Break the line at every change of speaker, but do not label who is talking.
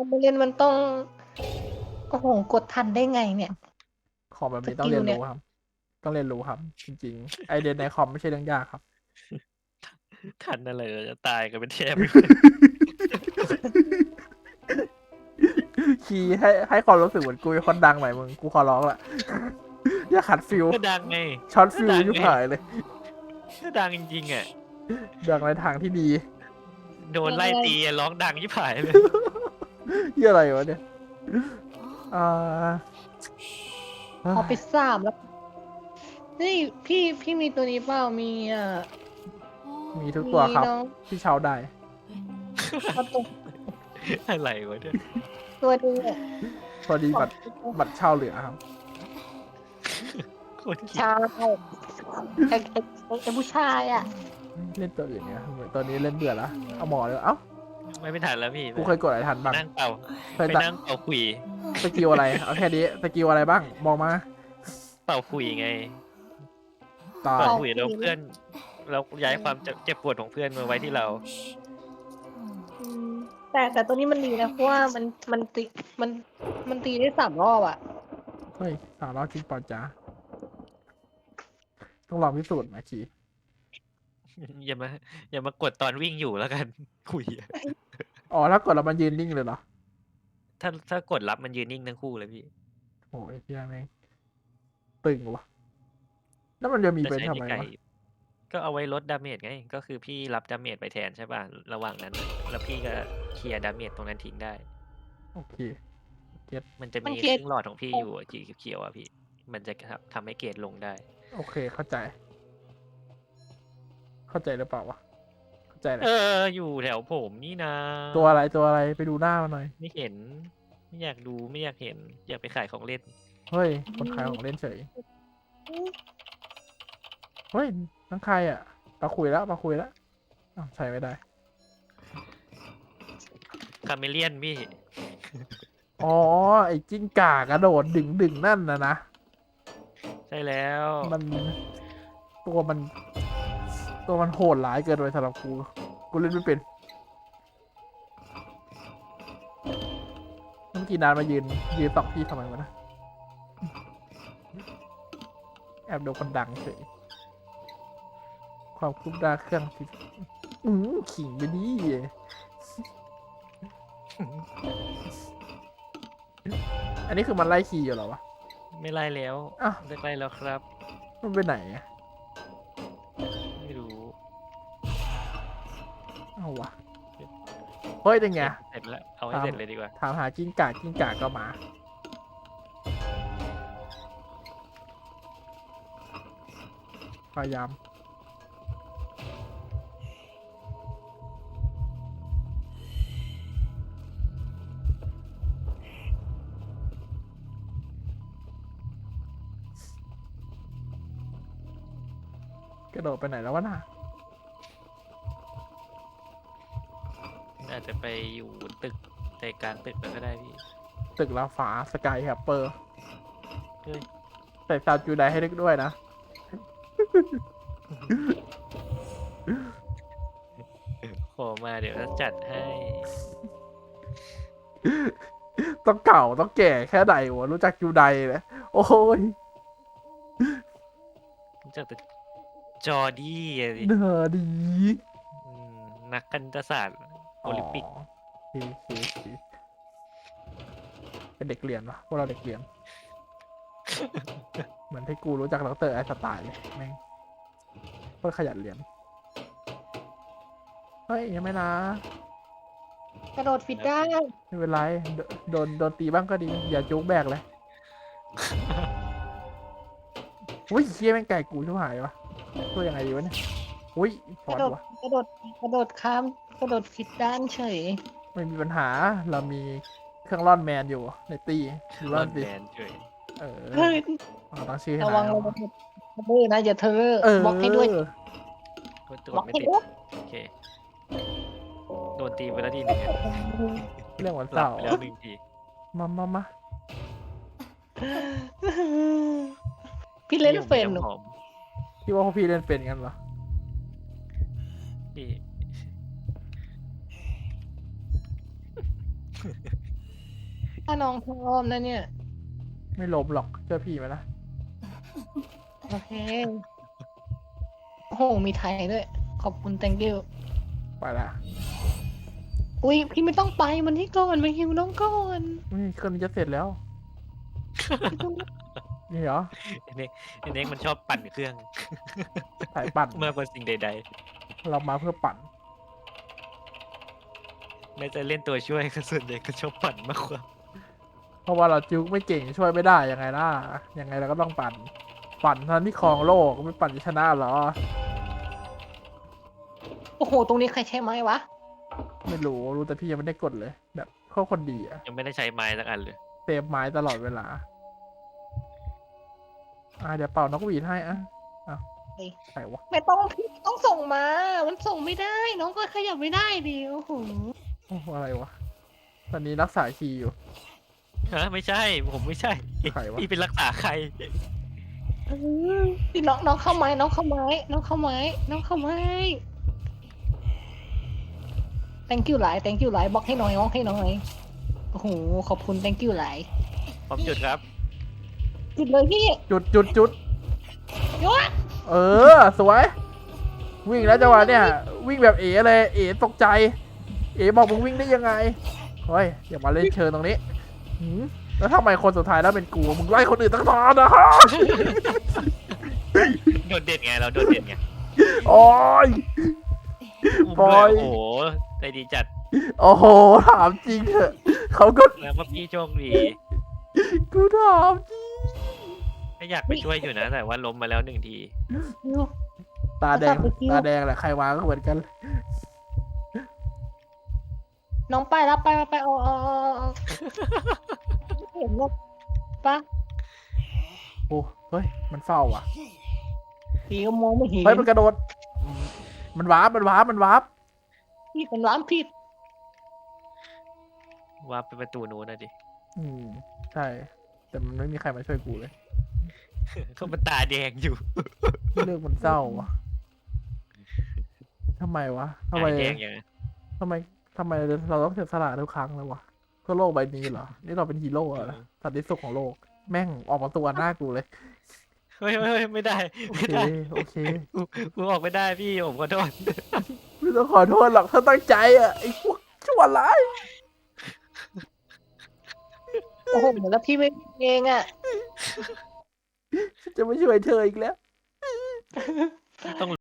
ไม่เล่นมันต้องโอ้โหกดทันได้ไงเนี่ย
ของแบบ
ส
นี้ต้อง
กิล
เรียน
เนี่ย
รู้ครับ ต้องเรียนรู้ครับ จริงๆ ไอเดียในคอมไม่ใช่เรื่องยากครับ
ทันอะไรเราจะตายกันเป็นแทบ
คีย์ให้ความรู้สึกเหมือนกูเป็นคนดังหน่อยมึงกูขอร้องละ อย่าขัดฟิล
ก็ดังไง
ช็อตฟิล
ก็ดัง
ยุบ
ไง
หายเลย
ก็ดังจริงๆอ่ะ
ดังในทางที่ดี
โดนไล่ตีอะร้องดังยิ่งผายเลย
เหี้ยอะไรวะเนี่ยอ่า
เอาไป3แล้วนี่พี่มีตัวนี้เปล่ามี
มีทุกตัวครับ
น้อง
ที่เช่าได้
เอาตัว
อะไรวะเนี่ย
ตัวนึงอะ
พอดีบัตรเช่าเหลือครับ
คนขี้
ชายไอ้ผู้ชายอ่ะ
เล่นตัวอื่นเนี่ยตัวนี้เล่นเบื่อแล้วเอาหมอเลยเอ้า
ไม่ทันแล้วพี่
กูเคยกดอะไรทันบ้าง
นั่งเป่า
เคย
ไป
ตัด
นั่งเป่าขุย
สกิลอะไรเอาแค่นี้สกิลอะไรบ้างบอกมา
เป่าขุยไง
ตาย
เป่าขุยแล้วเพื่อนเราย้ายความเจ็บปวดของเพื่อนมาไว้ที่เรา
อืมแต่ตัวนี้มันดีนะเพราะว่ามันตีได้3 รอบอ่ะ
เฮ้ยสาวล้อจริงเปล่าจ๊ะต้องลองพิสูจน์นะคี
อย่ามากดตอนวิ่งอยู่แล้วกัน ขุยอะ
อ๋อถ้ากดแล้วมันยืนนิ่งเลยเหรอ
ถ้ากดรับมันยืนนิ่งทั้งคู่เลยพี่
โอ้ยเฮียแม่งตึงวะแล้วมันจะมี
แต่
เป็น
ใช้
ทำ
ใน
ไม
ไก่
วะ
ก็เอาไว้ลดดาเมจไง ก็คือพี่รับดาเมจไปแทนใช่ป่ะ ระหว่างนั้น แล้วพี่ก็เคลียร์ดาเมจตรงนั้นทิ้งได้
โอเค
มันจะ
มัน
มี
เคลียร์
ครึ่งหลอดของพี่อยู่อะสีเขียวๆอ่ะพี่ มันจะทำให้เกรดลงได้
โอเคเข้าใจ เข้าใจหรือเปล่าวะเข้าใจแหละ
อยู่แถวผมนี่นะ
ตัวอะไรไปดูหน้ามันหน่อย
ไม่เห็น ไม่อยากดูไม่อยากเห็น อยากไปขายของเล่น
เฮ้ยคนขายของเล่นเฉยเฮ้ยนั่งใครอ่ะมาคุยแล้วอ้าวใช้ไม่ได้
คาเมเลียนพี่
อ๋อไอ้จิ้งก่ากระโดดดึงนั่นนะ
ใช่แล้ว
มันตัวมันโหดร้ายเกินไปสำหรับกูเล่นไม่เป็นเมื่อกี้นานมายืนตอกพี่ทำไมวะนะแอบดูคนดังเฉยความคืบหน้าเครื่องผิดขิงไปดิอันนี้คือมันไล่ขี่อยู่เหรอวะ
ไม่ไล่แล้ว
อ้าว
เลิกไล่แล้วครับ
มันไปไหนอะ
ไม่รู้
เอาวะเฮ้ยเป็นไง
เสร็จแล้ว เอาให้เสร็จเลยดีกว่า
ถามหากิ้งก่าก็มาพยายามกระโดดไปไหนแล้ววะน่ะ
อาจจะไปอยู่ตึกใจกลางตึกแล้วก็ได้พี่
ตึกลาฟ้าสกายแฮปเปอร์
เฮ้ย
ใส่ซาวจูไดให้ด้วยนะ
ขอมาเดี๋ยวจะจัดให้
ต้องเก่าต้องแก่แค่ไหนวะรู้จักจูไดเลยโอ้ย
จากตึกจอร์ดี้อะสิ
เนื้อดี
อืมนักคณิตศาสตร์โอลิมปิก
โอเคเป็นเด็กเรียนวะพวกเราเด็กเรียน เหมือนที่กูรู้จักดรไอน์สไตล์เลยแม่งเพื่อขยันเรียน เฮ้ยยังไม่นะ
กระโดดผิดได้
ไม่เป็นไรโดนตีบ้างก็ดี อย่าจุกแบกเลย อุ้ยเคี้ยแม่งไก่กูชิบหายวะตัวยังไงดีวะเนี่ยอุ้ยพ
ก
อ
ระ
ด
โดด
วะ
กระโดดกระโดดข้ามกระโดดผิดด้านเฉย
ไม่มีปัญหาเรามีเครื่องร่อนแมนอยู่ในตีดู
ร
ร่
อ
อน
น
สิ
แมนเฉย
เออ
เฮ้ย
เราตั้งชื่อให้
ระวัง
นาย
ระวังมือนะอย่าเธอบล็อกให้ด้วย
ตัว
บล็อก
ไม่
ให้
ติด
ด้วย
โอเค โดนตีไปแล้วทีหนึ่งอะ
เรื่องวัน
หลั
เสา
บ
ร์
ไปแล้วหนึ่งที
มา
พี่เล่นเป็นหนู
หอม
พี่ว่าพวกพี่เล่นเป็นกันเหรอ
พี่
ถ้าน้องพร้อมนะเนี่ย
ไม่ล้มหรอกเชื่อพี่ไหมล่ะ
โอเค โอ้โห มีไทยด้วย ขอบคุณ thank you
ไปละ
อุ้ย พี่ไม่ต้องไป มันที่ก่อนมาฮิวน้องก่อน
เครื่องนี้จะเสร็จแล้ว
พี่ต้อง
นี่เหรอ
ไอ้เน็กมันชอบปั่นเครื่อง
สายปั่น
มากกว่าสิ่งใด
เรามาเพื่อปั่น
ๆไม่จะเล่นตัวช่วยก็ส่วนใหญ่ก็ชอบปั่นมากกว่า
เพราะว่าเราจิ้วไม่เก่งช่วยไม่ได้ยังไงล่ะยังไงเราก็ต้องปั่น ปั่นทันที่ครองโลกไม่ปั่นจะชนะเหรอ
โอ้โห ตรงนี้ใครใช้ไม้วะ
ไม่รู้แต่พี่ยังไม่ได้กดเลย แบบเขาคนดีอะ
ยังไม่ได้ใช้ไม้สักอันเลย
เซฟไม้ตลอดเวลาเดี๋ยวเป่านกหวีดให้ใครวะ
ไม่ต้องพี่ต้องส่งมา มันส่งไม่ได้ น้องก็ขยับไม่ได้ดิโอ้โห
โอ้อะไรวะตอนนี้รักษาคีย์อยู่
ฮะไม่ใช่ ผมไม่ใช่
ใครวะ
พี่เป็นรักษาใคร
พี่น้องเข้าไม้ น้องเข้าไม้ น้องเข้าไม้ น้องเข้าไม้ thank you หลาย thank you หลายบล็อกให้หน่อยบล็อกให้หน่อยโอ้โห ขอบคุณ thank you หลาย
ผมหยุดครับ
จุดเลยพี่
จุด
ยศ
สวย วิ่งแล้วจังหวะเนี่ย วิ่งแบบเอ๋เลย เอ๋ตกใจ เอ๋บอกมึงวิ่งได้ยังไงเฮ้ยอย่ามาเล่นเชิญตรงนี้หืมแล้วทำไมคนสุดท้ายแล้วเป็นกูมึงไล่คนอื่นตั้งนานนะฮะ
โดดเด่นไงเราโดดเด่นไง
โอ้ย
อุ้ม
ปล่
ด้
อ
วย ยโอ้โหใจดีจัด
โอ้โหถามจริงเถอะเขาก็
แล้วก็พี่โชคดี
กูถามจริง
ก็อยากไปช่วยอยู่นะ แต่ว่าล้มมาแล้ว1 ที
ตาแดงแหละใครวางก็เหมือนกัน
น้องไปแล้วไปเอาเห็นว่าปะ
โอ้เฮ้ยมันเฝ้าว่ะ
พี่ก็มองไม่เห็น
เฮ้ยมันกระโดดมันวาร์ป
พี่เป็นร้านผิด
ว่าไปประตูนู้นนะดิ
ใช่ แต่มันไม่มีใครมาช่วยกูเลย
เขามันตาแดงอยู่
เรื่องมันเศร้าวะทำไมวะทำไม
ตาแดงอย่างนั้น
ทำไมเราต้องเสียสละทุกครั้งเลยวะเพื่อโลกใบนี้เหรอ นี่เราเป็นฮีโร่เหรอสันติสุขของโลก แม่งออกมาตัวหน้ากูเลย
เฮ้ยไม่ได้
โอ
ไม่
เค
ได้
โอเค
กูออกไม่ได้พี่ผมขอโทษ
ไม่ต้องขอโทษหรอกถ้าตั้งใจอ่ะไอ้พวกชั่วร้าย
โอ้โหแล้วพี่ไม่เองอ่ะ
จะไม่ช่วยเธออีกแล้ว
ต้อง